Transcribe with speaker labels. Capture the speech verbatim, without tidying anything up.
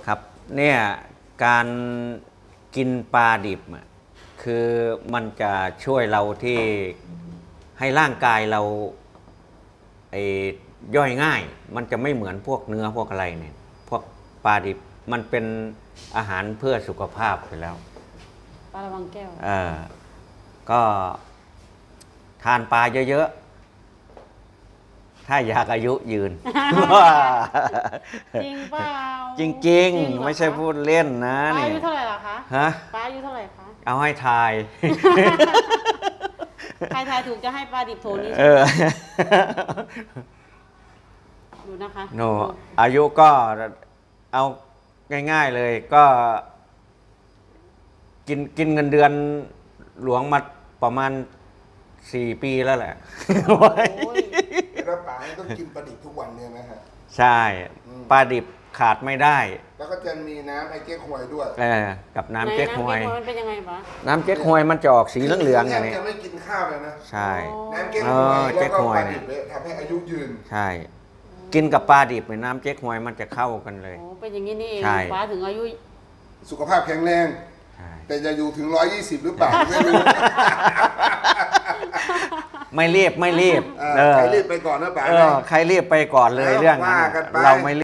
Speaker 1: ครับเนี่ยการกินปลาดิบคือมันจะช่วยเราที่ให้ร่างกายเราไอ้ย่อยง่ายมันจะไม่เหมือนพวกเนื้อพวกอะไรเนี่ยพวกปลาดิบมันเป็นอาหารเพื่อสุขภาพไปแล้ว
Speaker 2: ปลาระวังแก้ว
Speaker 1: เออก็ทานปลาเยอะๆถ้าอยากอายุยืน
Speaker 2: จริงเปล่า
Speaker 1: จริงๆไม่ใช่พูดเล่นนะ
Speaker 2: ปลา
Speaker 1: นี่
Speaker 2: อายุเท่าไหร่ล่ะคะ
Speaker 1: ฮะ
Speaker 2: ปลาอายุเท่าไหร่คะ
Speaker 1: เอาให้ทาย
Speaker 2: ใครทายถูกจะให้ปลาดิบโถนี้
Speaker 1: เออ
Speaker 2: ดูนะคะ
Speaker 1: โนอายุก็เอาง่ายๆเลยก็กินกินเงินเดือนหลวงมาประมาณสี่ปีแล้วแหละ
Speaker 3: แล้วปลาต้องกินปลาดิบทุกวันเนี่ยนะฮะ
Speaker 1: ใช่ปลาดิบขาดไม่ได้
Speaker 3: แล้วก็จะมีน้ำไอ้เก๊กฮวยด้วย
Speaker 1: เออกับน้ำเก๊กฮวย
Speaker 2: มันเป็นยังไงปะ
Speaker 1: น้ำเก๊กฮวยมันจะออกสีเหลืองๆอย่างนี้
Speaker 3: จะไม่กินข้าวเลยนะ
Speaker 1: ใช่
Speaker 3: น้ำเก๊กฮวยแล้วก็ปลาดิบเลยทำให้อายุยืน
Speaker 1: ใช่กินกับปลาดิบในน้ำเก๊กฮวยมันจะเข้ากันเลย
Speaker 2: โอ้เป็นอย่างนี้นี่เองปลาถึงอายุ
Speaker 3: สุขภาพแข็งแรงแต่จะอยู่ถึงร้อยยี่สิบหรือเปล่าไม่รู้
Speaker 1: ไม่รีบไม่รีบ
Speaker 3: ใครรีบไปก่อนนะป๋า
Speaker 1: ใครรีบไปก่อนเลยเรื่องนั้นเราไม่